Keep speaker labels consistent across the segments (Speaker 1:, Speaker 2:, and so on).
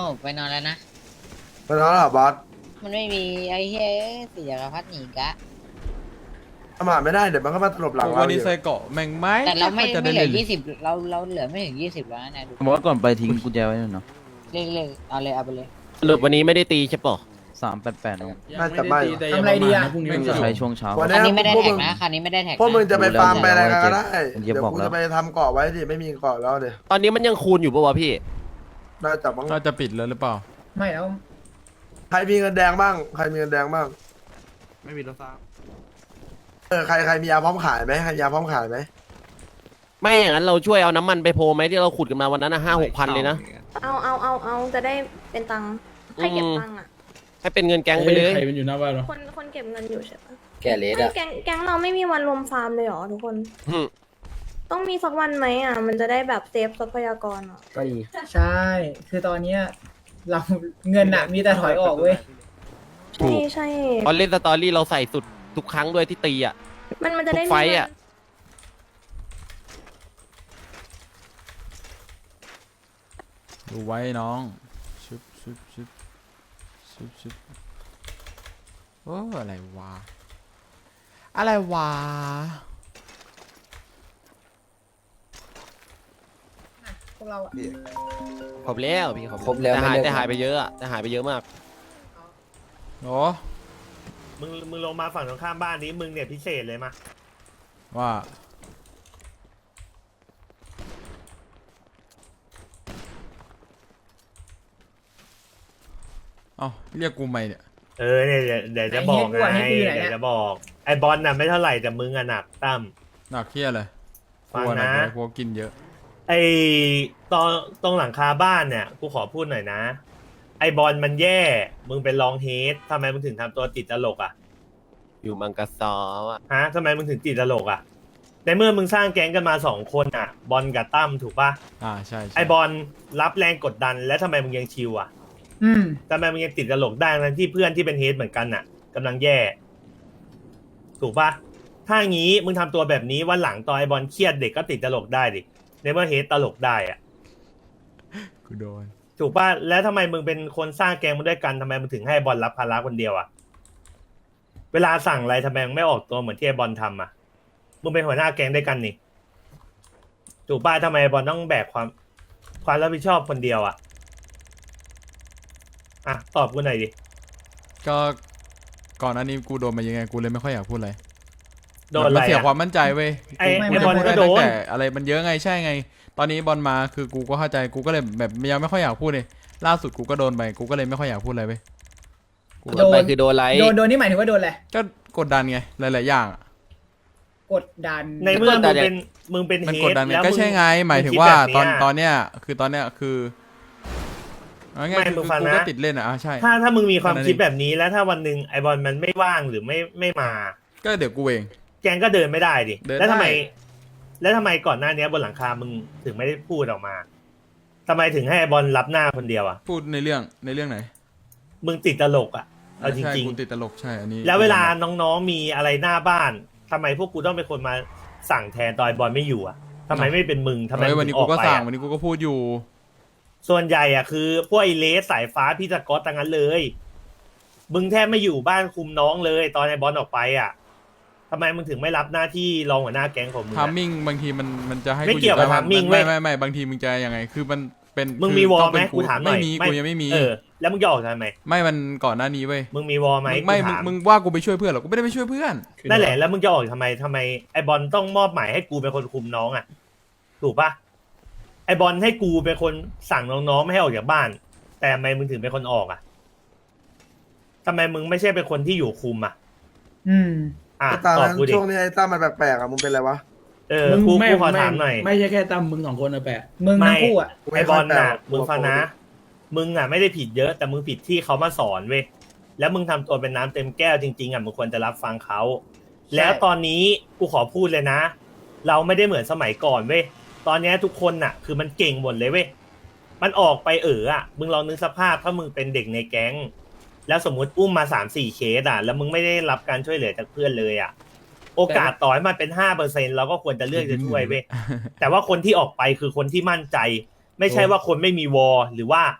Speaker 1: ผมไปนอนแล้วนะ
Speaker 2: ไปแล้วเหรอบอส
Speaker 1: มันไม่มีไอ้เฮ้ยเสียกับพัดหนีกะ
Speaker 2: ประมาทไม่ได้เดี๋ยวมันก็มาตลบหลัง
Speaker 3: โอ้
Speaker 2: เรา
Speaker 3: วัน
Speaker 2: อี
Speaker 3: นี้
Speaker 2: ก
Speaker 3: ใส่เกาะแม่งไหม
Speaker 1: แต่เราไม่
Speaker 3: จะ
Speaker 1: ไม่
Speaker 3: ได้
Speaker 1: เหลื
Speaker 3: เล่
Speaker 1: อน 20เราเหลือไม่ถึง20แล้วนะดู
Speaker 4: ผมว่าก่อนไปทิ้งกุญแจไว้หน่อยเนาะ
Speaker 1: เล่นเอาเลยเอาไปเลย
Speaker 5: สรุปวันนี้ไม่ได้ตีใช่ปะ
Speaker 4: 388นะ
Speaker 2: น่าจะไม่
Speaker 6: ทำอะไรดีอะ
Speaker 3: พรุ่งนี้
Speaker 4: จะใช้ช่วงเช้า
Speaker 2: วัน
Speaker 1: คันนี้ไม่ได้
Speaker 2: พวก
Speaker 1: แท็
Speaker 2: มึ
Speaker 1: ก
Speaker 2: ง
Speaker 1: นะคันนี้ไม่ได้แท็ก
Speaker 2: พวกมึง
Speaker 1: นะ
Speaker 2: จะไปฟาร์มไปอะไรกันก็ได้
Speaker 4: ผมจะ
Speaker 2: เดี๋ยว
Speaker 4: บอก
Speaker 2: กู
Speaker 4: แล้ว
Speaker 2: จะไปทำเกาะไว้ดิไม่มีเกาะแล้วเดี๋ยว
Speaker 5: ตอนนี้มันยังคูณอยู่ปะวะพี่
Speaker 2: น่าจะมั้ง
Speaker 3: น่าจะปิดแล้วหรือเปล่า
Speaker 6: ไม่แล้ว
Speaker 2: ใครมีเงินแดงบ้างใครมีเงินแดงบ้าง
Speaker 4: ไม่มีรถซ้
Speaker 2: ใครมียาพร้อมขายไหมใครยาพร้อมขายไหม
Speaker 5: ไม่อย่างนั้นเราช่วยเอาน้ำมันไปโพลไหมที่เราขุดกันมาวันนั้นนะ5-6 พันเลยนะ
Speaker 7: เอาจะได้เป็นตังค์ให้เก็บตังค์อ่ะ
Speaker 5: ให้เป็นเงินแก๊งไปเลย
Speaker 3: ใครเป็นอยู่หน้าบ้านวะ
Speaker 7: คนเก็บเงินอยู่ใช่ปะ
Speaker 1: แกเลส
Speaker 7: ไม่
Speaker 1: อะ
Speaker 7: แก๊งเราไม่มีวันรวมฟาร์มเลยเหรอทุกคน
Speaker 5: อืม
Speaker 7: ต้องมีสักวันไหมอ่ะ มันจะได้แบบเซฟทรัพยากรอ่ะ
Speaker 4: ก็ดี
Speaker 6: ใช่ คือตอนเนี้ยเราเงินอะมีแต่ถอยออกเว้ย
Speaker 7: ใช่ใช่
Speaker 5: ตอนเล่นสตอรี่เราใส่สุดทุกครั้งด้วยที่ตีอ่ะ
Speaker 7: มันจะได้
Speaker 5: ทุกไฟต์อะ
Speaker 3: ดูไว้น้องชุบชุบชุบชุบชุบโอ้อะไรวะอะไรวะ
Speaker 6: พวกเราอะ
Speaker 5: ครบแล้วพี่ครบแล้วแต่หายไปเยอะอะแต่หายไปเยอะมาก
Speaker 3: โอ้
Speaker 8: มึงลงมาฝั่งตรงข้ามบ้านนี้มึงเนี่ยพิเศษเลยมา
Speaker 3: ว่าเอ้าเรียกกูใหม่เนี่ย
Speaker 8: เนี่ยเดี๋ยวจะบอกไงเดี๋ยวจะบอกไอ้บอลน่ะไม่เท่าไหร่แต่มึงอะหนักตั้ม
Speaker 3: หนักเที่ยเลย
Speaker 8: ฟัง
Speaker 3: กลัวหนัก
Speaker 8: นะ
Speaker 3: เลยกลัวกินเยอะ
Speaker 8: ไอ้ตรงหลังคาบ้านเนี่ยกูขอพูดหน่อยนะ ไอ้บอลมันแย่มึงเป็นรองเฮดทำไมมึงถึงทำตัวติดตลกอ่ะ
Speaker 5: อยู่มังกรซออ่ะ
Speaker 8: ฮะทำไมมึงถึงติดตลกอ่ะในเมื่อมึงสร้างแก๊งกันมา2 คนอ่ะ บอลกับตั้มถูกปะ
Speaker 3: ใช่ใช่
Speaker 8: ไอ้บอลรับแรงกดดันแล้วทำไมมึงยังชิวอ่ะ
Speaker 6: อืม
Speaker 8: ทำไมมึงยังติดตลกได้ทั้งที่เพื่อนที่เป็นเฮดเหมือนกันน่ะกำลังแย่ ถูกปะถ้างี้มึงทำตัวแบบนี้วันหลังตอนไอบอลเครียดเด็กก็ติดตลกได้ดิในเมื่อเฮดตลกได้อะ
Speaker 3: กูโดน
Speaker 8: ถูกปะแล้วทำไมมึงเป็นคนสร้างแกงมาด้วยกันทำไมมึงถึงให้บอลรับภาระคนเดียวอะเวลาสั่งอะไรทำไมมึงไม่ออกตัวเหมือนที่ไอบอลทำอะมึงเป็นหัวหน้าแกงด้วยกันนี่ถูกปะทำไมไอบอลต้องแบกความรับผิดชอบคนเดียวอะอ่ะตอบกูหน่อยดิ
Speaker 3: ก็ก่อนอันนี้กูโดนมายังไงกูเลยไม่ค่อยอยากพูดอะไร
Speaker 8: โดนอะไร
Speaker 3: มัเสีย
Speaker 8: อะ
Speaker 3: ความมั่นใจเว้ย
Speaker 8: ไอ้
Speaker 3: กู
Speaker 8: บอลก็โดน
Speaker 3: ตั้งแต่อะไรมันเยอะไงใช่ไง ตอนนี้บอลมาคือกูก็เข้าใจกูก็เลยแบบยังไม่ค่อยอยากพูดเลยล่าสุดกูก็โดนไปกูก็เลยไม่ค่อยอยากพูดอะไรเว้ย
Speaker 5: โดนไปคือโดนไร
Speaker 6: โดนนี่หมายถึงว่าโดนอะไร
Speaker 3: ก็กดดันไงหลายๆอย่างอะ
Speaker 6: กดดัน
Speaker 8: ในเมื่อมึงเป็น
Speaker 3: มัน
Speaker 8: เฮ
Speaker 3: กด
Speaker 8: ด
Speaker 3: ดันไง
Speaker 8: แล้ว
Speaker 3: ก็
Speaker 8: มึง
Speaker 3: ใช่ไงหมายถึง
Speaker 8: คิด
Speaker 3: ว่า
Speaker 8: แบบ
Speaker 3: ตอนเนี้ยคือเอาง่าย
Speaker 8: ไม่
Speaker 3: คือ
Speaker 8: มึงฟัง
Speaker 3: กู
Speaker 8: นะ
Speaker 3: ก็ติดเล่นอ่ะใช่
Speaker 8: ถ้ามึงมีความ
Speaker 3: แค่นั้น
Speaker 8: คิด
Speaker 3: เอง
Speaker 8: แบบนี้แล้วถ้าวันหนึ่งไอบอลมันไม่ว่างหรือไม่มา
Speaker 3: ก็เดี๋ยวกูเอง
Speaker 8: แกงก็เดินไม่ได้ดิ
Speaker 3: เดิน
Speaker 8: แล้วทำไม
Speaker 3: ได้
Speaker 8: แล้วทำไมก่อนหน้านี้บนหลังคามึงถึงไม่ได้พูดออกมาทำไมถึงให้ไอบอลรับหน้าคนเดียวอ่ะ
Speaker 3: พูดในเรื่องไหน
Speaker 8: มึงติดตลกอ่ะเอาจ
Speaker 3: ใช่
Speaker 8: ริง
Speaker 3: กูติดตลกใช่อันนี้
Speaker 8: ๆ แล้วเวลาน้องๆมีอะไรหน้าบ้านทำไมพวกกูต้องเป็นคนมาสั่งแทนตอนไอ้บอลไม่อยู่อ่ะทำไมไม่เป็นมึงทำไม
Speaker 3: เฮ้ย
Speaker 8: มึ
Speaker 3: วัน
Speaker 8: ง
Speaker 3: นี้
Speaker 8: อ
Speaker 3: กู
Speaker 8: อก
Speaker 3: ก็
Speaker 8: ไป
Speaker 3: สั่ง
Speaker 8: อะ
Speaker 3: วันนี้กูก็พูดอยู่
Speaker 8: ส่วนใหญ่อ่ะคือพวกไอเลสสายฟ้าพี่ตะก๊อตตั้งนั้นเลย มึงแทบไม่อยู่บ้านคุมน้องเลย ตอนไอ้บอลออกไปอ่ะทำไมมึงถึงไม่รับหน้าที่รองหัวหน้าแก๊งของมึง
Speaker 3: ทาม
Speaker 8: อะ
Speaker 3: มิ่งบางทีมันจะให้
Speaker 8: ไม่เกี่ยวกับ
Speaker 3: ได้
Speaker 8: timing
Speaker 3: ไม่
Speaker 8: เว้ย
Speaker 3: ไม่บางทีมึงจะยังไงคือมันเป็น
Speaker 8: มึง
Speaker 3: คือ
Speaker 8: มีวอล
Speaker 3: ต้อง
Speaker 8: ไหม
Speaker 3: เป็น
Speaker 8: กูถามหน่อย
Speaker 3: ไม่มีกูยังไม่มี
Speaker 8: แล้วมึงจะออกทำไม
Speaker 3: ไม่มันก่อนหน้านี้เว้ย
Speaker 8: มึงมีวอลไหม
Speaker 3: ไม่
Speaker 8: กูถา
Speaker 3: มึงว่ากูไปช่วยเพื่อนเหรอกูไม่ได้ไปช่วยเพื่อน
Speaker 8: นั่นแหละแล้วมึงจะออกทำไมไอบอลต้องมอบหมายให้กูเป็นคนคุมน้องอ่ะ ถูกปะไอบอลให้กูเป็นคนสั่งน้องๆไม่ให้ออกจากบ้าน แต่ทำไมมึงถึงเป็นคนออกอ่ะทำไมมึงไม่ใช่เป็นคนที่อยู่คุมอ่ะ
Speaker 6: อืม
Speaker 8: อ่ะ
Speaker 2: ไอ้ตา
Speaker 8: ตอบ
Speaker 2: นั้น
Speaker 8: กูดิ
Speaker 2: ช่วงนี้ไอ้ตั้มมันแปลกๆอ่ะมึงเป็นอะไรวะ
Speaker 8: กูขอถามหน่อย
Speaker 9: ไม่ใช่แค่ตั้มมึง2 คนนะแปะ
Speaker 6: มึงทั้งคู่อะ
Speaker 8: ไอบอลน่ะมึงฟังนะ มึงอ่ะไม่ได้ผิดเยอะแต่มึงผิดที่เขามาสอนเว้ยแล้วมึงทำตัวเป็นน้ำเต็มแก้วจริงๆอ่ะมึงควรจะรับฟังเขาแล้วตอนนี้กูขอพูดเลยนะ เราไม่ได้เหมือนสมัยก่อนเว้ยตอนนี้ทุกคนน่ะ คือมันเก่งหมดเลยเว้ยมันออกไปอ่ะมึงลองนึกสภาพถ้ามึงเป็นเด็กในแก๊ง แล้วสมมุติอุ้มมา3-4เคสอ่ะแล้วมึงไม่ได้รับการช่วยเหลือจากเพื่อนเลยอ่ะโอกาสต่อให้มันเป็น5%เราก็ควรจะเลือกจะช่วยเว้ย แต่ว่าคนที่ออกไปคือคนที่มั่นใจ ไม่ใช่ว่าคนไม่มีวอลหรือว่า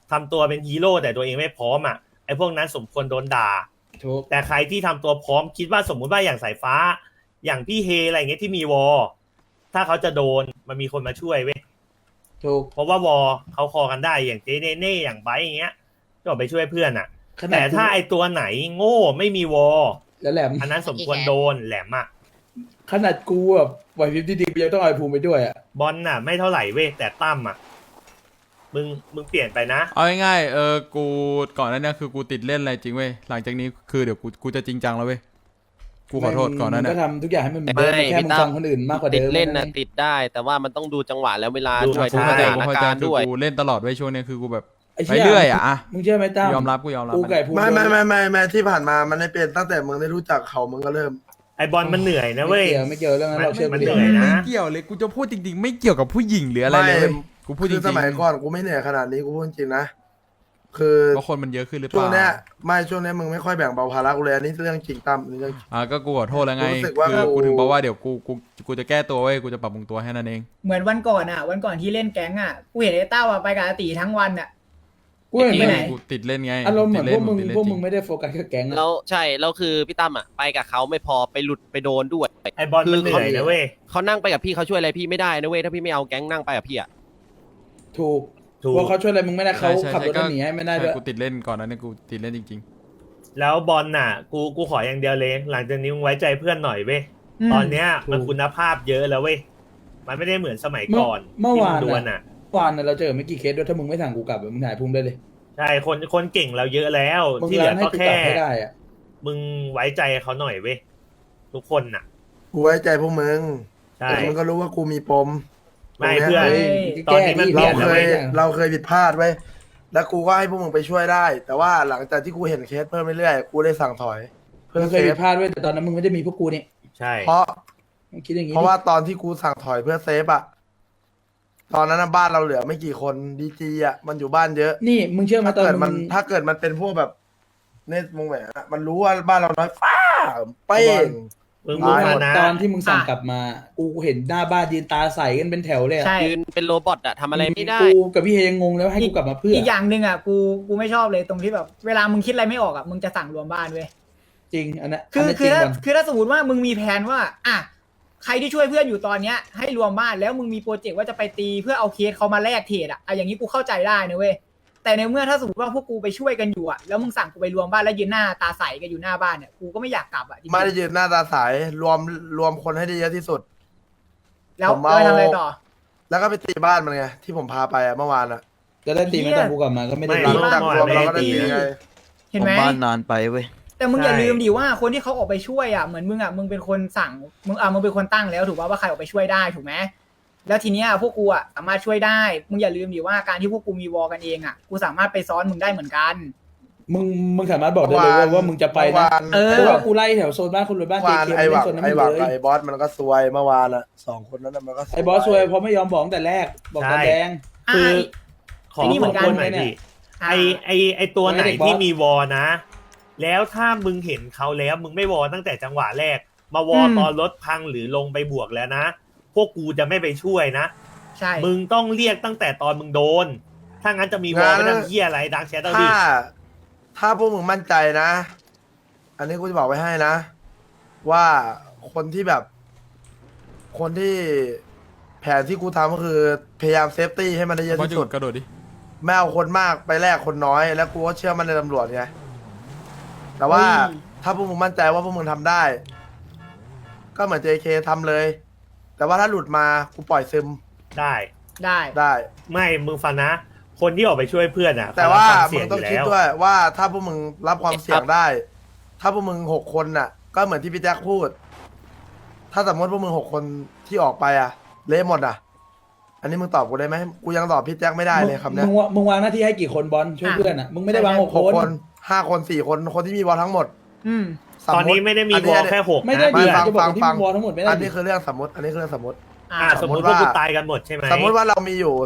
Speaker 8: ทำตัวเป็นฮีโร่แต่ตัวเองไม่พร้อมอ่ะไอ้พวกนั้นสมควรโดนด่า
Speaker 2: ถูก
Speaker 8: แต่ใครที่ทำตัวพร้อมคิดว่าสมมุติว่าอย่างสายฟ้า อย่างพี่เฮอะไรเงี้ยที่มีวอลถ้าเขาจะโดนมันมีคนมาช่วยเว้ย
Speaker 2: ถูก
Speaker 8: เพราะว่าวอลเขาคอกันได้อย่างเจเนเน่อย่างไบร์ทอย่างเงี้ยก็ออกไปช่วยเพื่อนอ่ะ แต่ถ้าไอตัวไหนโง่ไม่มีวอล
Speaker 9: แล้วแหลม
Speaker 8: อันนั้นสมควรโดนแหลมอ่ะ
Speaker 9: ขนาดกูแบบไหวพริบดีๆกูยังต้องเอาไอ้ภูมิไปด้วยอ่ะ
Speaker 8: บอลน่ะ ไม่เท่าไหร่เว้ยแต่ตั้มอ่ะมึงเปลี่ยนไปนะ
Speaker 3: เอาง่ายๆกูก่อนหนั้นเนี่ยคือกูติดเล่นอะไรจริงเว้ยหลังจากนี้คือเดี๋ยวกูจะจริงจังแล้วเว้ยกูขอโทษก่อนหนั้น
Speaker 9: มึง
Speaker 3: เนี่ย
Speaker 9: ก็ทำทุกอย่างให้มันเหมือนเดิม
Speaker 5: ไม่
Speaker 9: แค่
Speaker 5: พี่
Speaker 9: มึง
Speaker 5: ตั้ม
Speaker 9: ฟังคนอื่นมากกว่า
Speaker 5: ติ
Speaker 9: เดิ
Speaker 5: ด
Speaker 9: ม
Speaker 5: เล่นนะ
Speaker 9: แค่
Speaker 5: ติดได้ แต่ว่ามันต้องดูจังหวะแล้วเวลา
Speaker 8: ดู
Speaker 5: ด้วย
Speaker 8: ใช่
Speaker 5: ส
Speaker 3: กู
Speaker 5: ถาน
Speaker 3: เข้าใจ
Speaker 5: การณ์
Speaker 3: คือ
Speaker 5: ด้วย
Speaker 3: กูเล่นตลอดเว้ยช่วงเนี้ยคือกูแบบ
Speaker 9: ไอ้
Speaker 3: ไป
Speaker 9: เชี่ย
Speaker 3: เรื่อยอะ
Speaker 9: มึงเชื่อไหมตั้ม
Speaker 3: กูยอมรับ
Speaker 9: กูไก่ภูมิ
Speaker 2: ไม่ที่ผ่านมามันไม่เป็นตั้งแต่มึงได้รู้จักเขามึงก็เริ่ม
Speaker 8: ไอบอลมันเหนื่อยนะเว้ย
Speaker 9: ไม่เกี่ยวเรื่องนั้นเราเชื่อ
Speaker 8: มัน
Speaker 9: กูดิ
Speaker 8: เหนื่อยนะ
Speaker 3: ไม่เกี่ยวเลยกูจะพูดจริงๆ ไม่เกี่ยวกับผู้หญิงหรืออะไรเลยเว้ยกูพูดจ
Speaker 2: คื
Speaker 3: ริ
Speaker 2: อง สมัยก่อนกูไม่เหนื่อยขนาดนี้กูพูดจริงนะคือ
Speaker 3: ๆเพราะคนมันเยอะขึ้นหรือเป
Speaker 2: ช่วง
Speaker 3: ล่า
Speaker 2: เนี้ยช่วงเนี้ยมึงไม่ค่อยแบ่งเบาภาระกูเลยอันนี้เรื่องจริงตั้มอันนี้เรื่องจริง
Speaker 3: ก็กูขอโทษแล้วไง
Speaker 2: รู้สึกว่า
Speaker 3: คือ
Speaker 2: กู
Speaker 3: กูถึงบอกว่าเดี๋ยวกูจะแก้ตัวเว้ยกูจะปรับปรุงตัวให้นั่นเอง
Speaker 6: เหมือนวันก่อนวันก่อนที่เล่นแก๊งกูเห็นไอ้เต้าไปกับอาตีทั้งวัน
Speaker 9: กูเห็น
Speaker 6: ไป
Speaker 9: ไหม
Speaker 6: ไหน
Speaker 3: กูติดเล่นไง
Speaker 9: อารมณ์เหมือน
Speaker 3: ติด
Speaker 9: พวกมึง
Speaker 3: ติดเล่น
Speaker 9: พวกมึง
Speaker 3: จริ
Speaker 9: ไม่ได้โฟกัสแค่แก๊งอะ
Speaker 5: แล้วใช่แล้วคือพี่ตั้มอ่ะไปกับเขาไม่พอไปหลุดไปโดนด้วย
Speaker 8: ไอบอลมันเหนื่อยนะเว้ย
Speaker 5: เขานั่งไปกับพี่เขาช่วยอะไรพี่ไม่ได้นะเว้ยถ้าพี่ไม่เอาแก๊งนั่งไปกับพี่อ่ะ
Speaker 9: ถูก
Speaker 8: ถูก
Speaker 9: เพราะเขาช่วยอะไรมึงไม่ได้เขา
Speaker 3: ใช่
Speaker 9: ขับรถ
Speaker 3: ก็
Speaker 9: หนีให้ไม่ได้
Speaker 3: ใช่
Speaker 9: ด้วย
Speaker 3: กูติดเล่นก่อนนั้นเนี่ยกูติดเล่นจริง
Speaker 8: แล้วบอลน่ะ กูขออย่างเดียวเลย หลังจากนี้มึงไว้ใจเพื่อนหน่อยเว้ยตอนเนี้ยมันคุณภาพเยอะแล้วเว้ยมันไม่ได้เหมือนสมัยก่อน
Speaker 9: เมื่อ
Speaker 8: ที่
Speaker 9: วาน
Speaker 8: งดวล
Speaker 9: น่ะ
Speaker 8: อ่ะ
Speaker 9: เมื่อวานน่ะเราเจอไม่กี่เคสด้วยถ้ามึงไม่สั่งกูกลับมึงถ่ายภูมิได้เลย
Speaker 8: ใช่คนเก่งเราเยอะแล้ว
Speaker 9: มึง
Speaker 8: ที่เหลื
Speaker 9: รั
Speaker 8: อน
Speaker 9: ให้
Speaker 8: ก็
Speaker 9: กูก
Speaker 8: แค่
Speaker 9: ลับให้ได้อะ
Speaker 8: มึงไว้ใจเขาหน่อยเว้ยทุกคนน่ะ
Speaker 2: กูไว้ใจพวกมึง
Speaker 8: ใช่
Speaker 2: แต่มึงก็รู้ว่ากูมีปม
Speaker 8: ไม่
Speaker 2: ตรง
Speaker 8: เพื่อน
Speaker 2: ย
Speaker 8: ตอนนี้มัน
Speaker 2: เรา
Speaker 8: เปลี่ยน
Speaker 2: เค
Speaker 8: แล้ว
Speaker 2: ย
Speaker 8: เว้ย
Speaker 2: เราเคยผิดพลาดไว้ยแล้วกูก็ให้พวกมึงไปช่วยได้ แต่ว่าหลังจากที่กูเห็นเคสเพิ่มเรื่อยๆกูได้สั่งถอย เพื่อ
Speaker 9: มึง
Speaker 2: เซ
Speaker 9: เคยผิ
Speaker 2: ฟ
Speaker 9: ดพลาดด้วยแต่ตอนนั้นมึงไม่ได้มีพวกกูนี่
Speaker 8: ใช่
Speaker 2: เพราะ
Speaker 9: มึงคิดอย่างงี้
Speaker 2: เพราะว่าตอนที่กูสั่งถอยเพื่อเซฟอะตอนนั้นนะบ้านเราเหลือไม่กี่คนดีจีอะมันอยู่บ้านเยอะ
Speaker 9: นี่มึงเชื่อไหม
Speaker 2: ถ้า
Speaker 9: ตอน
Speaker 2: เกิด
Speaker 9: มึ
Speaker 2: มัน
Speaker 9: ง
Speaker 2: ถ้าเกิดมันเป็นพวกแบบเนตวงแหวนอะมันรู้ว่าบ้านเราน้อยฟ้าเป้ง
Speaker 8: มึง
Speaker 9: รู้
Speaker 8: มา
Speaker 9: ไหม
Speaker 8: นะ
Speaker 9: ตอนที่มึงสั่งกลับมา กูเห็นหน้าบ้านยืนตาใสกันเป็นแถวเลยอะ
Speaker 6: ใช่
Speaker 5: ยืนเป็นโรบอทอ่ะทำอะไรไม่ได้
Speaker 9: กูกับพี่เฮยังงงแล้วให้กูกลับมาเพื่อ
Speaker 6: อีกอย่างหนึ่งกูไม่ชอบเลยตรงที่แบบเวลามึงคิดอะไรไม่ออกมึงจะสั่งรวมบ้านเว้ย
Speaker 9: จริงอันนั้น
Speaker 6: คือ
Speaker 9: อันนั้น
Speaker 6: คือ
Speaker 9: จริง
Speaker 6: ถ้า
Speaker 9: ก่อน
Speaker 6: คือถ้าสมมติว่ามึงมีแผนว่าใครที่ช่วยเพื่อนอยู่ตอนเนี้ยให้รวมบ้านแล้วมึงมีโปรเจกต์ว่าจะไปตีเพื่อเอาเคสเขามาแลกเทรดอย่างนี้กูเข้าใจได้นะเว้ยแต่ในเมื่อถ้าสมมติว่าพวกกูไปช่วยกันอยู่แล้วมึงสั่งกูไปรวมบ้านแล้วยืนหน้าตาใสกันอยู่หน้าบ้านเนี่ยกูก็ไม่อยากกลับจริงๆ
Speaker 2: ไม่ได้ยืนหน้าตาใสรวมคนให้ได้เยอะที่สุด
Speaker 6: แล้ว
Speaker 2: ผมเอา
Speaker 6: ไปทำอะไรต่อ
Speaker 2: แล้วก็ไปตีบ้านมันไงที่ผมพาไปอะเมื่อวานอะ
Speaker 9: จะได้ตีไหม่ต้องกูกลับมาก็ไม่ได้
Speaker 8: ไม่
Speaker 2: หลั
Speaker 9: ตี
Speaker 2: งจากรวมเราก็ได้ตีไง
Speaker 6: เห็นไหม
Speaker 4: ผมบ้านนานไปเว้ย
Speaker 6: แต่มึง
Speaker 8: ใช่
Speaker 6: อย่าลืมดิว่าคนที่เขาออกไปช่วยเหมือนมึงเป็นคนสั่งมึงเป็นคนตั้งแล้วถูกป่ะว่าใครออกไปช่วยได้ถูกไหมแล้วทีเนี้ยพวกกูสามารถช่วยได้มึงอย่าลืมดิว่าการที่พวกกูมีวอลกันเองกูสามารถไปซ้อนมึงได้เหมือนกัน
Speaker 9: มึงสามารถบอกได้เลยว่ามึงจะไปนะ
Speaker 6: เออ
Speaker 9: เพราะว่ากูไล่แถวโซนบ้านคนรวยบ้าน
Speaker 2: เมื่อ
Speaker 9: เจ
Speaker 2: วาน
Speaker 9: เค
Speaker 2: ไอ้หวัก
Speaker 9: โซนนั้นห
Speaker 2: ไอ้
Speaker 9: ม
Speaker 2: หวั
Speaker 9: ด
Speaker 2: ก
Speaker 9: เล
Speaker 2: กับ
Speaker 9: ย
Speaker 2: ไอ้บอสมันก็ซวยเมื่อวานอะสองคนนั้นน่ะมันก็
Speaker 9: ไอ้บอสซวยเพราะไม่ยอมบอกตั้งแต่แรกบอกตาแดง
Speaker 8: คือ ขอ
Speaker 6: ไอ้นี่เหมือนกัน
Speaker 8: ขอบคุณหน่อยดิไอตัวไหน
Speaker 9: ไอ้เด็กบอส
Speaker 8: ที่มีวอนะ แล้วถ้ามึงเห็นเขาแล้วมึงไม่วอตั้งแต่จังหวะแรก มาวอตอนรถพังหรือลงไปบวกแล้วนะ พวกกูจะไม่ไปช่วยนะ
Speaker 6: ใช่
Speaker 8: มึงต้องเรียกตั้งแต่ตอนมึงโดน ถ้างั้นจะมีวอไม่ทำเหี้ยอะไรดังแชทเอาดิ
Speaker 2: ถ้าพวกมึงมั่นใจนะ อันนี้กูจะบอกไว้ให้นะ ว่าคนที่แบบ คนที่แผนที่กูทำก็คือพยายามเซฟตี้ให้มันได้เยอะ
Speaker 3: ๆบอล
Speaker 2: ที่
Speaker 3: จุ
Speaker 2: สุ
Speaker 3: ด
Speaker 2: ด
Speaker 3: กระโดดดิ
Speaker 2: ไม่เอาคนมากไปแลกคนน้อย แล้วกูก็เชื่อมันในตำรวจไงแต่ว่าถ้าพวกมึงมั่นใจว่าพวกมึงทำได้ ก็เหมือน JK ทำเลย แต่ว่าถ้าหลุดมากูปล่อยซึม
Speaker 8: ได้
Speaker 6: ได้
Speaker 2: ได้
Speaker 8: ไม่มึงฟังนะ คนที่ออกไปช่วยเพื่อนอ่ะ
Speaker 2: แต่ว่า
Speaker 8: เขรับคว
Speaker 2: มึ
Speaker 8: เสี่
Speaker 2: ง
Speaker 8: ย
Speaker 2: ต้อง
Speaker 8: ยู่
Speaker 2: คิด
Speaker 8: แล้ว
Speaker 2: ด้วยว่าถ้าพวกมึงรับความเสี่ยงได้ ถ้าพวกมึง6 คนน่ะ ก็เหมือนที่พี่แจ็คพูด ถ้าสมมติพวกมึง6 คนที่ออกไปอ่ะ เละหมดอ่ะ อันนี้มึงตอบกูได้ไหมกูยังตอบพี่แจ็คไม่ได้เลยคำเนี้ย
Speaker 9: มึงวางหน้าที่ให้กี่คนบอลช่วยเพื่อนอ่ะมึงไม่ได้วางหก
Speaker 2: 6
Speaker 9: คน
Speaker 2: คน5 คน4 คนคนที่มีบอลทั้งหมด
Speaker 6: อืม
Speaker 2: สม
Speaker 8: ตอน
Speaker 2: มุ
Speaker 8: นี้ไม่ได้มีวอลแค่หก
Speaker 9: ไม่ได้
Speaker 8: นะ
Speaker 9: ดี
Speaker 2: ฟัง
Speaker 9: จะบอก
Speaker 2: ฟัง
Speaker 9: ที่
Speaker 2: ฟัง
Speaker 9: มึงวอลทั้งหมดไม่ได้
Speaker 2: อันนี้
Speaker 9: ดิ
Speaker 2: คือเรื่องสมมติอันนี้คือเรื่องสมมติ
Speaker 8: สมมติพวกกูตายกันหมดใช่ไหม
Speaker 2: สมมติว่าเรามีอยู่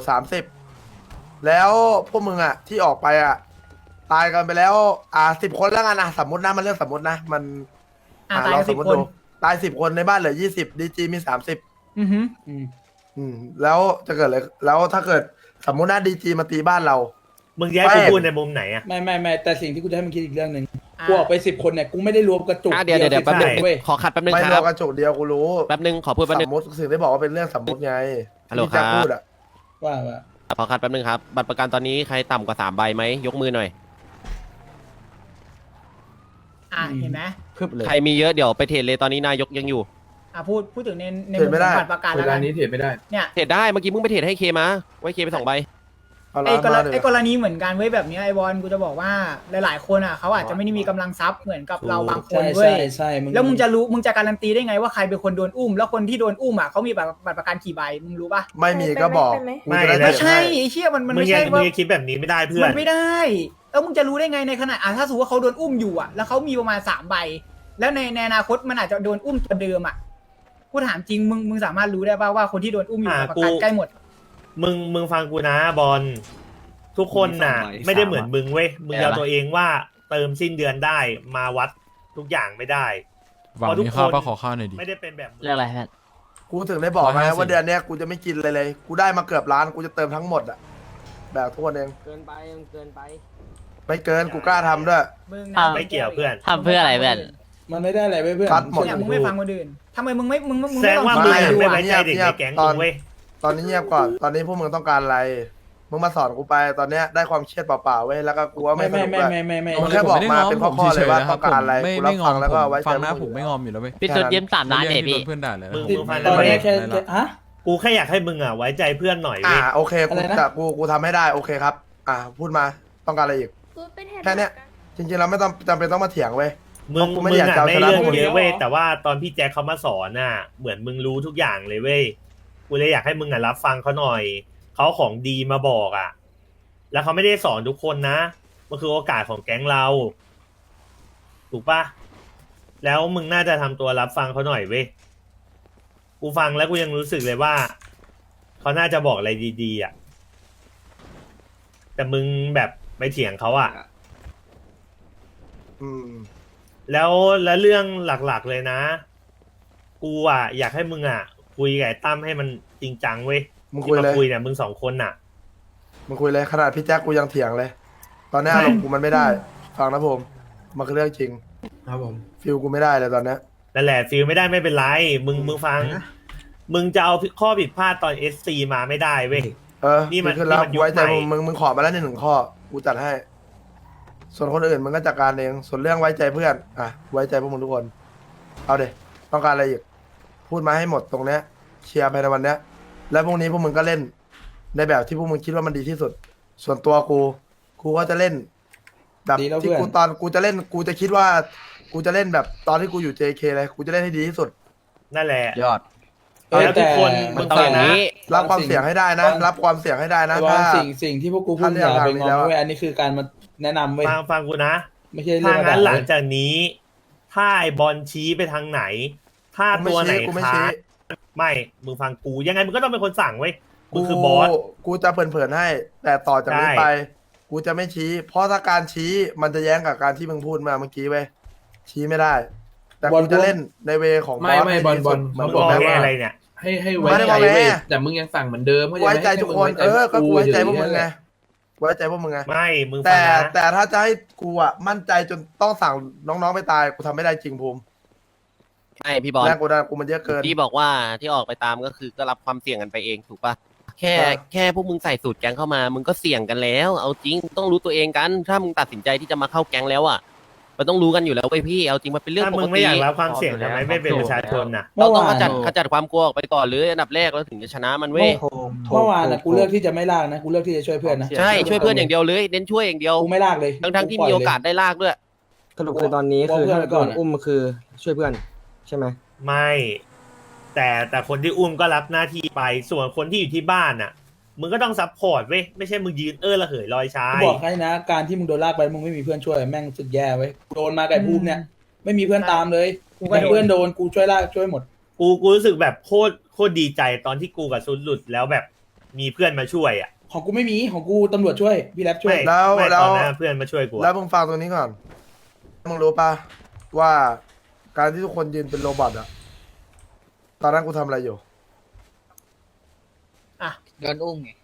Speaker 2: 30แล้วพวกมึงอ่ะ ที่ออกไปอ่ะ ตายกันไปแล้ว10 คนแล้วกันนะสมมตินะมันเรื่องสมมตินะมัน
Speaker 6: ตาย
Speaker 2: เรา
Speaker 6: กัน
Speaker 2: ส
Speaker 6: สิ
Speaker 2: ม
Speaker 6: บ
Speaker 2: มติ
Speaker 6: คน
Speaker 2: ดูตาย10 คนในบ้านเหลือ20ดีจีมี30
Speaker 6: อือหือ
Speaker 9: อืม
Speaker 2: แล้วจะเกิดอะไรแล้วถ้าเกิดสมมุติว่าดีจีมาตีบ้านเรา
Speaker 8: มึงแยกกูพูดในมุมไหนอะ
Speaker 9: ไม่แต่สิ่งที่กูจะให้มึงคิดอีกเรื่องหนึ่ง
Speaker 6: อ่ะ
Speaker 9: กูออกไป10 คนเนี่ยกูไม่ได้รวมกระจุก
Speaker 5: เดี๋ยวแป๊บนึง
Speaker 9: เว้ย
Speaker 5: ขอคัดแป๊บนึง
Speaker 2: ไม่
Speaker 5: ค
Speaker 2: ร
Speaker 5: รั
Speaker 2: อบ กระจกเดียวกูรู้
Speaker 5: แป๊บนึงขอพูดแป๊บ
Speaker 2: ส
Speaker 5: นึ
Speaker 2: ม
Speaker 5: ง
Speaker 2: มติสิ่งที่บอกว่าเป็นเรื่องสมมติไง
Speaker 5: ฮัลโหล
Speaker 2: ที่แจ็ค
Speaker 5: ครับ
Speaker 2: พูดอ่ะ
Speaker 9: ว่า
Speaker 5: ขอคัดแป๊บนึงครับบัตรประกันตอนนี้ใครต่ำกว่า3 ใบไหมยกมือหน่อย
Speaker 6: เห็นไหม
Speaker 5: ใครมีเยอะเดี๋ยวไปเทรดเลยตอนนี้นายกยังอยู่
Speaker 6: พูดถึงในมุมของบัตรประกันแล้วกันเนี่ย
Speaker 5: เทรดได้เมื่อกี้มึงไปเทรดให้เคมาไว้เคไป2 ใบ
Speaker 2: เอาละ
Speaker 6: ไอ้กร
Speaker 2: มา
Speaker 6: ณี
Speaker 2: เดี๋ยว
Speaker 6: ไอ้กรณีเหมือนกันเว้ยแบบเนี้ยไอ้บอลกูจะบอกว่าหลายๆคนอ่ะเขาอาจจะไม่ได้มีกำลังทรัพย์เหมือนกับเราบางคน
Speaker 9: ใช่
Speaker 6: เว้ย
Speaker 9: ใช่
Speaker 6: แล้วมึงจะการันตีได้ไงว่าใครเป็นคนโดนอุ้มแล้วคนที่โดนอุ้มอ่ะเขามีบัตรประกันกี่ใบมึงรู้ปะ
Speaker 2: ไม่มีก็บอก
Speaker 8: ไม่
Speaker 2: กูจะได้
Speaker 8: นะ
Speaker 6: ไม่ใช่
Speaker 2: เทรดให้
Speaker 6: ไอ้เชี่ยมัน
Speaker 8: มึง
Speaker 6: ไม่
Speaker 8: ยั
Speaker 6: ใช่
Speaker 8: ง
Speaker 6: ว่า
Speaker 8: คิดแบบนี้ไม่ได้เพื่อน
Speaker 6: มันไม่ได้แล้วมึงจะรู้ได้ไงในขณะถ้าสมมติว่าเขาโดนอุ้มอยู่อ่ะแล้วเขามีประมาณ3 ใบแล้วในอนาคตมันอาจจะโดนอุ้มตัวเดิมอ่ะกูถามจริงมึงสามารถรู้ได้ป่าว่าคนที่โดนอุ้มอยู่บัตรประกันใกล้หมด
Speaker 8: มึงฟังกูนะบอลทุกคนน่ะ ไม่ได้เหมือนมึงเว้ยมึงเอาตัวเองว่าเติมสิ้นเดือนได้มาวัดทุกอย่างไม่ได้
Speaker 3: หวังมีข้าวปะขอข้าวหน่อยดิ
Speaker 8: ไม่ได้เป็นแบบมึง
Speaker 4: เรื่องอะไรแพท
Speaker 2: กูถึงได้บอกไง
Speaker 3: 150
Speaker 2: ว่าเดือนเนี้ยกูจะไม่กินเลย กูได้มาเกือบล้านกูจะเติมทั้งหมดอ่ะแบบทุกคนเอง
Speaker 5: เกินไปเกินไป
Speaker 2: ไม่เกินกูกล้าทำด้วย
Speaker 6: มึง
Speaker 8: ไม่เกี่ยวเพื่อน
Speaker 4: ทำเพื่ออะไรเพื่อน
Speaker 9: มันไม่ได้อะไรเว้ยเพื่อน
Speaker 2: คัดหมด
Speaker 6: เนี่ยมึงไม่ฟังคนอื่นทำไมมึงไม่มึง
Speaker 8: แสดงว่ามึง
Speaker 6: ไม่
Speaker 8: ไม่
Speaker 6: ดู
Speaker 8: ไว้
Speaker 6: อ่ะ
Speaker 8: ใจเด็กในแก๊ง
Speaker 2: ต
Speaker 8: มึ
Speaker 2: อน
Speaker 8: งเว้ย
Speaker 2: ตอนนี้เงียบก่อน ตอนนี้พวกมึงต้องการอะไร มึงมาสอนกูไป ตอนเนี้ยได้ความเครียดเปล่าๆเว้ย แล้วก็กูว่าไม่สนุกด้วย
Speaker 9: ไม่
Speaker 2: มึงแค่บอกมาเป็นข้อๆเลยว่าต้องการอะไร
Speaker 3: ไม่
Speaker 2: กูรับ
Speaker 3: ง
Speaker 2: ฟั
Speaker 3: อง ม
Speaker 2: แล้วก็ไว้ใจ
Speaker 3: ฟังนะ
Speaker 2: พวก
Speaker 3: ผมไม่งอมอยู่แล้วเว้ย
Speaker 4: พี่ตุ๊ดยืม3 ล้านเนี่ยพี่
Speaker 3: เพื่อนด่าเลย
Speaker 8: มึง
Speaker 3: ผม
Speaker 8: ฟัง
Speaker 9: ตอน
Speaker 8: ไม่
Speaker 9: นี้
Speaker 8: ได้
Speaker 9: แค่ฮะ
Speaker 8: กูแค่อยากให้มึงอ่ะไว้ใจเพื่อนหน่อย
Speaker 2: อ่า
Speaker 8: เว้ย
Speaker 2: โอเค
Speaker 9: อะไรนะ
Speaker 2: กูทำให้ได้ โอเคครับ พูดมา ต้องการอะไรอีก แค่เนี้ย จริงๆเราไม่ต้องจำเป็นต้องมาเถียงเว้ย
Speaker 8: มึง
Speaker 2: กูไม่
Speaker 8: มึง
Speaker 2: อยาก
Speaker 8: อ่ะ
Speaker 2: จะเอา
Speaker 8: ไม่
Speaker 2: ชนะ
Speaker 8: เรื่อง
Speaker 2: พวกมึง
Speaker 8: เยอะเว้ยแต่ว่าตอนพี่แจ็คเขามาสอนน่ะเหมือนมึงรู้ทุกอย่างเลยเว้ยกูเลยอยากให้มึงอ่ะรับฟังเขาหน่อยเขาของดีมาบอกอ่ะ แล้วเขาไม่ได้สอนทุกคนนะมันคือโอกาสของแก๊งเรา ถูกปะแล้วมึงน่าจะทำตัวรับฟังเขาหน่อยเว้ยกูฟังแล้วกูยังรู้สึกเลยว่าเขาน่าจะบอกอะไรดีๆอ่ะแต่มึงแบบไปเถียงเขาอ่ะ
Speaker 2: อืม
Speaker 8: แล้วเรื่องหลักๆเลยนะ กูอ่ะอยากให้มึงอ่ะ คุยกับไอ้ตั้มให้มันจริงจังเว้ย
Speaker 2: มึง
Speaker 8: ที่
Speaker 2: คุย
Speaker 8: มา
Speaker 2: เลย
Speaker 8: คุยเนี่ยมึง2 คนน่ะ
Speaker 2: มึงคุยเลยขนาดพี่แจ็คกูยังเถียงเลย ตอนเนี้ยอารมณ์กูมันไม่ได้ ฟังนะผมมันคือเรื่องจริง
Speaker 9: ครับผม
Speaker 2: ฟิลกูไม่ได้เลยตอนเนี้ย
Speaker 8: นั่นแหละฟีลไม่ได้ไม่เป็นไร มึงฟัง มึงจะเอาข้อผิดพลาดตอน SC มาไม่ได้เว้ย นี่มัน
Speaker 2: ดีขึ้นแล้ว
Speaker 8: นี่มันยุค
Speaker 2: ไว้ใจ
Speaker 8: ใหม่
Speaker 2: มึงขอมาแล้ว1 ข้อ กูจัดให้ ส่วนคนอื่นมึงก็จัดการเอง ส่วนเรื่องไว้ใจเพื่อน ไว้ใจพวกมึงทุกคน เอาเด็ต้องการอะไรอีก พูดมาให้หมดตรงเนี้ยเชียร์ภายในวันเนี้ย แล้วพรุ่งนี้พวกมึงก็เล่น ในแบบที่พวกมึงคิดว่ามันดีที่สุด ส่วนตัวกูก็จะเล่น แบบ
Speaker 9: ดีแล้ว
Speaker 2: ที่
Speaker 9: เพื่อน
Speaker 2: กูตอนกูจะเล่น กูจะคิดว่า กูจะเล่นแบบตอนที่กูอยู่ JK เลยกูจะเล่นให้ดีที่สุด
Speaker 8: นั่นแหละ
Speaker 4: ยอด
Speaker 8: แล้วทุกคนมึง
Speaker 5: ต้องอย่างนี้
Speaker 2: รับความเสี่ยงให้ได้นะ รับความเสี่ยงให้ได้นะ
Speaker 9: แต่ว่า
Speaker 2: ถ้า
Speaker 9: สิ่งที่พวกกูพูด
Speaker 2: ถ้าเรื่
Speaker 9: อ
Speaker 2: อง
Speaker 9: ย่าไป
Speaker 2: ทางนี้
Speaker 9: ง
Speaker 2: แล้ว
Speaker 9: อ
Speaker 2: อะ
Speaker 9: เว้ยอันนี้คือการมาแนะนำเว้ย
Speaker 8: ฟังกูนะ
Speaker 9: ไม่ใช่เรื่
Speaker 8: ถ้า
Speaker 9: อง
Speaker 8: งั้นหลัง
Speaker 9: ด่า
Speaker 8: จากนี้ ถ้าไอ้บอลชี้ไปทางไหน ถ้าตัวไหน
Speaker 2: กูไม่
Speaker 8: ค้า
Speaker 2: ชี้
Speaker 8: ไม่มึงฟังกูยังไงมึงก็ต้องเป็นคนสั่งเว้ยมึงคือบอส
Speaker 2: กูจะเผินๆให้ แต่ต่อจากนี้
Speaker 8: ใช่
Speaker 2: ไป กูจะไม่ชี้ เพราะถ้าการชี้มันจะแย้งกับการที่มึงพูดมาเมื่อกี้เว้ยชี้ไม่ได้ แต่กูจะเล่นในเวของบอส
Speaker 10: ไม่
Speaker 2: ให้
Speaker 10: บอล
Speaker 2: ดี
Speaker 10: บอ
Speaker 2: สุ
Speaker 10: ล
Speaker 2: ดเหมือน
Speaker 8: มึง
Speaker 2: ผม
Speaker 8: บอก
Speaker 2: นะ
Speaker 8: แค่
Speaker 2: ว่า
Speaker 8: อะไรเนี่ย
Speaker 10: ให้ไว้
Speaker 2: ไม่ได้
Speaker 10: ใจ
Speaker 2: บอกแม่
Speaker 10: เว้ยแต่มึงยังสั่งเหมือนเดิมเข้าใจไหม
Speaker 2: ไว้ใจทุกคน
Speaker 10: ให้มึง
Speaker 2: ก็กูไว้ใจพวกมึง
Speaker 10: เฉยๆ
Speaker 2: ไงไว้ใจพวกมึงไง
Speaker 8: ไม่มึงฟั
Speaker 2: แต่
Speaker 8: งนะ
Speaker 2: แต่ถ้าจะให้กูอ่ะมั่นใจจนต้องสั่งน้องๆไปตายกูทำไม่ได้จริงภูมิ
Speaker 5: ใช่พี่บอล
Speaker 2: แรงกดดันกูมันเยอะเกิน
Speaker 5: พี่บอกว่าที่ออกไปตามก็คือก็รับความเสี่ยงกันไปเองถูกปะแค่พวกมึงใส่สูตรแก๊งเข้ามา มึงก็เสี่ยงกันแล้ว เอาจริงต้องรู้ตัวเองกัน ถ้ามึงตัดสินใจที่จะมาเข้าแก๊งแล้วอ่ะมันต้องรู้กันอยู่แล้วเว้ยพี่เอาจริงมันเป็นเรื่อง
Speaker 8: ถ้า
Speaker 5: ป
Speaker 8: มึ
Speaker 5: ก
Speaker 8: งไม่
Speaker 5: ติ
Speaker 8: อยากรับความเสี่ยงทำไมไม่เป็นประชาชนน่ะ
Speaker 5: เราต้อง
Speaker 9: เมื่อวาน
Speaker 5: ขจัดความกลัวออกไปก่อนหรืออันดับแรกแล้วถึงจะชนะมันเว้ย
Speaker 9: เมื่อวานอ่ะกูเลือกที่จะไม่ลากนะกูเลือกที่จะช่วยเพื่อนนะ
Speaker 5: ใช่ช่วยเพื่อนอย่างเดียวเลยเน้นช่วยอย่างเดียว
Speaker 9: กูไม่ลากเลย
Speaker 5: ทั้งที่มีโอกาสได้ลากด้วย
Speaker 9: สรุปคือตอนนี้คือถ้าโดนอุ้ม
Speaker 10: คือช่วยเพื่อนใช่ไหม
Speaker 8: ไม่ แต่คนที่อุ้มก็รับหน้าที่ไปส่วนคนที่อยู่ที่บ้านน่ะ มึงก็ต้องซัพพอร์ตเว้ยไม่ใช่มึงยืนระเหยลอยชา
Speaker 9: กู
Speaker 8: ย
Speaker 9: บอกให้นะ การที่มึงโดนลากไปมึงไม่มีเพื่อนช่วยแม่งสุดแย่เว้ยโดนมาไก่ภูมิเนี่ยไม่มีเพื่อนตามเลย
Speaker 6: กูก็โดน
Speaker 9: เพื่อนโดนกูช่วยลากช่วยหมด
Speaker 8: กูรู้สึกแบบโคตรดีใจตอนที่กูกับซุนหลุดแล้วแบบมีเพื่อนมาช่วยอ่ะ
Speaker 9: ของกูไม่มีของกูตำรวจช่วยพี่แรปช่วย
Speaker 8: ไม่
Speaker 2: แล้ว
Speaker 8: ไม่
Speaker 2: แล้ว
Speaker 8: ตอนนั้นเพื่อนมาช่วยกู
Speaker 2: แล้ว
Speaker 8: อะ
Speaker 2: มึงฟังตรงนี้ก่อน มึงรู้ปะว่าการที่ทุกคนยืนเป็นโรบอทอะตอนนั้นกูทำอะไรอยู่
Speaker 1: โดนอุ้มไง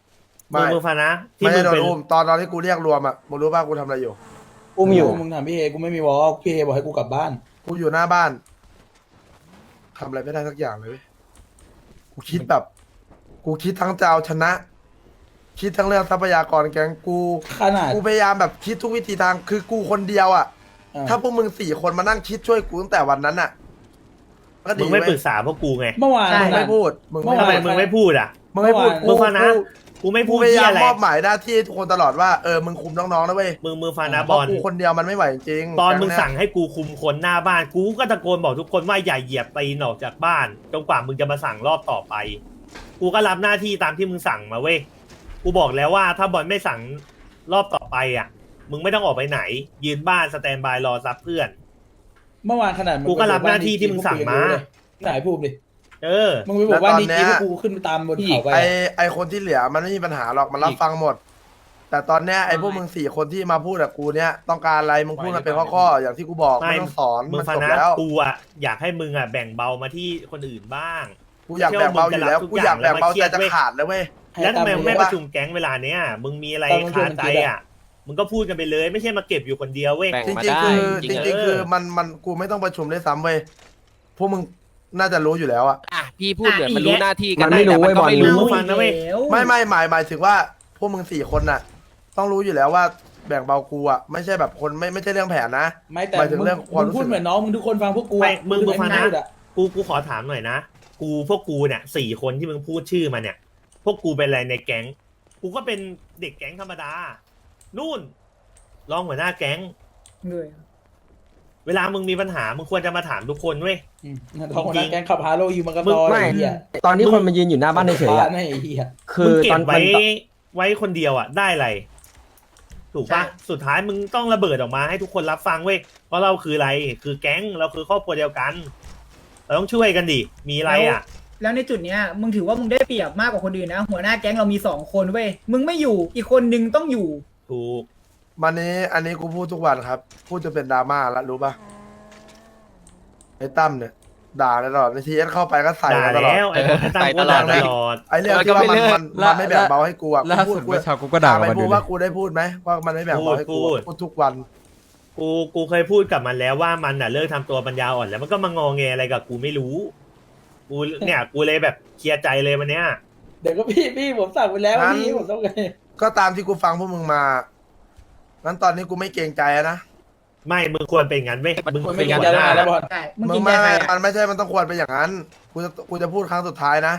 Speaker 8: มึงฟังนะที่
Speaker 2: ไม่
Speaker 8: มึ
Speaker 2: ใช่
Speaker 8: ง
Speaker 2: โดน
Speaker 8: เป็น
Speaker 2: อุ้มตอนที่กูเรียกรวมอ่ะมึงรู้ป่ะกูทำอะไรอยู่
Speaker 10: อุ้มอยู่
Speaker 9: มึงถามพี่เอกูไม่มีวอลพี่เอบอกให้กูกลับบ้าน
Speaker 2: กูอยู่หน้าบ้านทำอะไรไม่ได้สักอย่างเลยเว้ยกูคิดแบบ กูคิดทั้งจะเอาชนะ คิดทั้งเรื่องทรัพยากรแกงกู
Speaker 9: ขนาด
Speaker 2: กูพยายามแบบคิดทุกวิธีทางคือกูคนเดียวอ่ะ
Speaker 9: อ่ะ
Speaker 2: ถ้าพวกมึง4 คนมานั่งคิดช่วยกูตั้งแต่วันนั้นอ่ะก็ดี
Speaker 8: มึงไม่
Speaker 2: เว้ย
Speaker 8: ปรึกษาพวกกูไง
Speaker 9: เมื่อวาน
Speaker 2: มึงไม่พูดมึง
Speaker 9: เมื่อ
Speaker 8: ทำ
Speaker 9: วา
Speaker 8: ไม
Speaker 2: ไม่
Speaker 8: มึงไม่พูดอ่ะ
Speaker 2: มึงไม่พูด
Speaker 8: มึงฟังนะ กูไม่
Speaker 2: กู
Speaker 8: พูด
Speaker 2: พยา
Speaker 8: ที่
Speaker 2: ยาม
Speaker 8: อะไร
Speaker 2: มอบหมายหน้าที่ให้ทุกคนตลอดว่ามึงคุมน้องๆนะเว้ย
Speaker 8: มึงฟังนะ
Speaker 2: เพ
Speaker 8: บอ
Speaker 2: ราะ
Speaker 8: ล
Speaker 2: กูคนเดียวมันไม่ไหวจริงๆ
Speaker 8: ตอนมึง
Speaker 2: แก๊เย
Speaker 8: สั่งให้กูคุมคนหน้าบ้าน กูก็ตะโกนบอกทุกคนว่าอย่าเหยียบตีนออกจากบ้านจนกว่ามึงจะมาสั่งรอบต่อไป กูก็รับหน้าที่ตามที่มึงสั่งมาเว้ย กูบอกแล้วว่าถ้าบอลไม่สั่งรอบต่อไปอ่ะ มึงไม่ต้องออกไปไหน ยืนบ้านสแตนบายรอซับเพื่อน
Speaker 9: เมื่อวานขนาด
Speaker 8: กูก็รับหน้าที่ที่มึงสั่งมา
Speaker 9: ไหนพูดดิ
Speaker 8: เออ
Speaker 9: มึงไปบอกว่าดีจีพวกกูขึ้นไปตามบนเขาไป
Speaker 2: ไอคนที่เหลือมันไม่มีปัญหาหรอกมันรับฟังหมด แต่ตอนเนี้ยไอพวกมึง4 คนที่มาพูดกับกูเนี้ยต้องการอะไรมึงพูดมาเป็นข้อๆอย่างที่กูบอก
Speaker 8: ไม่
Speaker 2: ไม่ต้องสอน
Speaker 8: มึง
Speaker 2: มัน
Speaker 8: ฟัง
Speaker 2: จบ
Speaker 8: นะ
Speaker 2: แล้ว
Speaker 8: กูอ่ะอยากให้มึงอ่ะแบ่งเบามาที่คนอื่นบ้าง
Speaker 2: กูอยากแบ่งเบาอยู่แล้วกูอยากแบ่งเบาใจจะขาดแล้วเว้ย
Speaker 8: แล้วทำไมมึงไม่ประชุมแก๊งเวลาเนี้ย มึงมีอะไรคาใจอ่ะ มึงก็พูดกันไปเลย ไม่ใช่มาเก็บอยู่คนเดียวเว้ย
Speaker 5: แบ่ง
Speaker 2: จ
Speaker 5: มา
Speaker 2: ริง
Speaker 5: ได้
Speaker 2: ๆคือ
Speaker 5: จ
Speaker 2: จ
Speaker 5: ริงๆ
Speaker 2: ริงๆคือมันกูไม่ต้องประชุมด้วยซ้ำเว้ยพวกมึงน่าจะรู้อยู่แล้วอะ
Speaker 5: อ่ะพี่พูดเหมือนมันรู้หน้าที่กั
Speaker 10: มัน นไม่
Speaker 5: ได้
Speaker 10: รู้
Speaker 5: แต่มันก็
Speaker 10: เว้ย
Speaker 5: ไม่
Speaker 10: บอล
Speaker 5: รู้
Speaker 8: ฟังนะเว้ย
Speaker 2: ไม่หมายถึงว่าพวกมึง4 คนน่ะ ต้องรู้อยู่แล้วว่าแบ่งเบากูอะไม่ใช่แบบคนไม่ใช่เรื่องแผนนะ
Speaker 9: ไม่แต่
Speaker 2: หมายถึง
Speaker 9: มึง
Speaker 2: เรื่องความ
Speaker 9: มึ
Speaker 2: รู้
Speaker 9: งพู
Speaker 2: สึ
Speaker 9: ด
Speaker 2: ก
Speaker 9: เหมือนน้องมึงทุกคนฟังพวกกู
Speaker 8: ไม่
Speaker 9: อะ
Speaker 8: มึงฟังนะ
Speaker 9: พูดอะ
Speaker 8: กูขอถามหน่อยนะ พวกกูเนี่ย4 คนที่มึงพูดชื่อมาเนี่ย พวกกูเป็นอะไรในแก๊ง กูก็เป็นเด็กแก๊งธรรมดา นู่นรองหัวหน้าแก๊ง เวลามึงมีปัญหา มึงควรจะมาถามทุกคนเว้ย
Speaker 9: อืมท้องคนนั้นแกงขับฮาโลอยู่มันก็
Speaker 8: มึง
Speaker 9: ตอน
Speaker 10: ไม่
Speaker 9: ไอ้เหี้ย
Speaker 10: ตอนที่คนมายืนอยู่หน้าบ้านเฉยๆ
Speaker 9: บ้า
Speaker 10: อะ
Speaker 9: นไอ้เหี้ย
Speaker 10: คื
Speaker 8: มึ
Speaker 10: อง
Speaker 8: เก็
Speaker 10: ตอบ น
Speaker 8: ไว้คนเดียวอ่ะได้อะไร ถูกปะสุดท้ายมึงต้องระเบิดออกมาให้ทุกคนรับฟังเว้ยเพราะเราคืออะไร คือแก๊งเราคือครอบครัวเดียวกัน เราต้องช่วยกันดิ มีอะไรอ่ะ
Speaker 6: แล้วในจุดเนี้ยมึงถือว่ามึงได้เปรียบมากกว่าคนอื่นนะ หัวหน้าแก๊งเรามี2 คนเว้ยมึงไม่อยู่อีกคนนึงต้องอยู่
Speaker 8: ถูก
Speaker 2: อันนี้กูพูดทุกวันครับ พูดจนเป็นดราม่าแล้วรู้ป่ะไอ้ตั้มเนี่ย ด่าตลอดในทีเอสเข้าไปก็ใส่
Speaker 8: ด่า
Speaker 2: มาตลอด
Speaker 8: แล้วไอ้คนตั้ง
Speaker 5: ใส่
Speaker 8: โค
Speaker 5: ต
Speaker 8: ต
Speaker 5: ล
Speaker 8: ร
Speaker 5: อด
Speaker 8: ด่าตลอด
Speaker 2: ไอ้เรื่องที่ว่ามันไม่แบ่งเบาให้กูอะ
Speaker 3: ล่า
Speaker 2: กู
Speaker 3: สุด
Speaker 2: พูด
Speaker 3: เมื่อเช้ากูก็ด่า
Speaker 2: ไป
Speaker 3: มันอ
Speaker 2: พูด
Speaker 3: ยู่เล
Speaker 2: ว่าย กูได้พูดไหมว่ามันไม่แบ่งเบาให้กู
Speaker 8: พูด
Speaker 2: พูดทุกวัน
Speaker 8: กูเคยพูดกับมันแล้วว่ามันน่ะเลิกทำตัวปัญญาอ่อนแล้วมันก็มางอแงอะไรกับกูไม่รู้ กูเนี่ยกูเลยแบบเคลียร์ใจเลยวันเนี้ย
Speaker 9: เดี๋ยวก็พี่ผมสั่งไปแล้ว
Speaker 2: งั้น
Speaker 9: พี่ผมต้องไง
Speaker 2: ก็ตามที่กูฟังพวกมึงมางั้นตอนนี้กูไม่เกรงใจอะนะ
Speaker 8: ไม่มึงควรเป็นงั้นเว้ยมึง
Speaker 9: คน
Speaker 8: เป็
Speaker 9: ไม่
Speaker 8: น
Speaker 9: กิน
Speaker 8: หั
Speaker 9: จะ
Speaker 8: วห
Speaker 9: ได้
Speaker 8: น้า
Speaker 9: แล้วบอล
Speaker 6: ใช่มึง
Speaker 2: มึ
Speaker 6: กิ
Speaker 2: ง
Speaker 6: น
Speaker 2: ไม่
Speaker 6: ยาใคร
Speaker 2: ไม่
Speaker 6: อะ
Speaker 2: มันไม่ใช่มันต้องควรเป็นอย่างนั้น กูจะพูดครั้งสุดท้ายนะ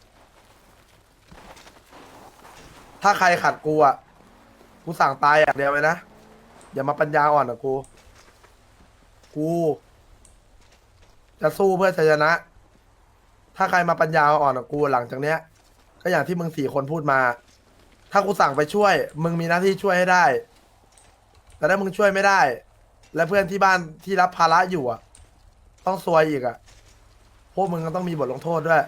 Speaker 2: ถ้าใครขัดกูอ่ะ กูสั่งตายอย่างเดียวเลยนะ อย่ามาปัญญาอ่อนกับกู กูจะสู้เพื่อชัยชนะ ถ้าใครมาปัญญาอ่อนกับกูหลังจากเนี้ย ก็อย่างที่มึง4 คนพูดมา ถ้ากูสั่งไปช่วย มึงมีหน้าที่ช่วยให้ได้ แต่ถ้ามึงช่วยไม่ได้ และเพื่อนที่บ้านที่รับภาระอยู่อ่ะ ต้องซวยอีกอ่ะ พวกมึงก็ต้องมีบทลงโทษด้วย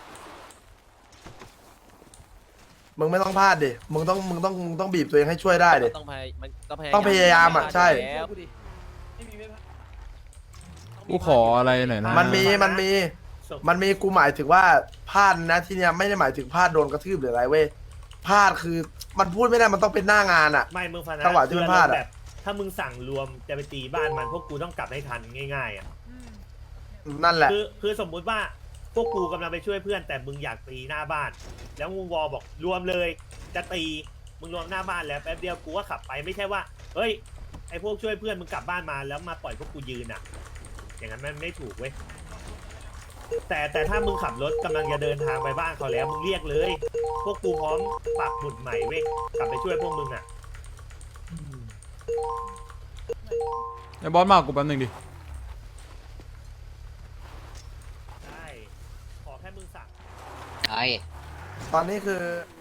Speaker 2: มึงไม่ต้องพลาดดิ มึงต้องบีบตัวเองให้ช่วยได้ดิ
Speaker 5: ต้องพยมัน
Speaker 2: ต้องพยายามอะใช่
Speaker 5: แล้ว
Speaker 3: กูขออะไรหน่อยนะ
Speaker 2: มันมีกูหมายถึงว่าพลาดนะที่เนี้ยไม่ได้หมายถึงพลาดโดนกระทืบหรืออะไรเว้ย พลาดคือมันพูดไม่ได้มันต้องเป็นหน้างานอ่ะ
Speaker 8: ไม่มึงฟังนะ
Speaker 2: จังหวะที่มันพลาดอะ
Speaker 8: แบบถ้ามึงสั่งรวมจะไปตีบ้านมันพวกกูต้องกลับให้ทันง่ายๆอ่ะ
Speaker 2: นั่นแหละ
Speaker 8: คือสมมุติว่าพวกกูกำลังไปช่วยเพื่อนแต่มึงอยากตีหน้าบ้าน แล้วมึงวอบอกรวมเลย จะตีมึงรวมหน้าบ้านแล้วแป๊บเดียวกูก็ขับไปไม่ใช่ว่าเฮ้ยไอพวกช่วยเพื่อนมึงกลับบ้านมาแล้วมาปล่อยพวกกูยืนอ่ะ อย่างนั้นมันไม่ถูกเว้ยแต่ถ้ามึงขับรถกำลังจะเดินทางไปบ้านเขาแล้วมึงเรียกเลย พวกกูพร้อมปักหมุดใหม่เว้ยกลับไปช่วยพวกมึงอ่ะ
Speaker 3: ไอ้บอสมากูแป๊บนึงดิ
Speaker 8: ใช่ขอแค่มึงสั่ง
Speaker 1: ไอ้
Speaker 2: ตอนนี้คือ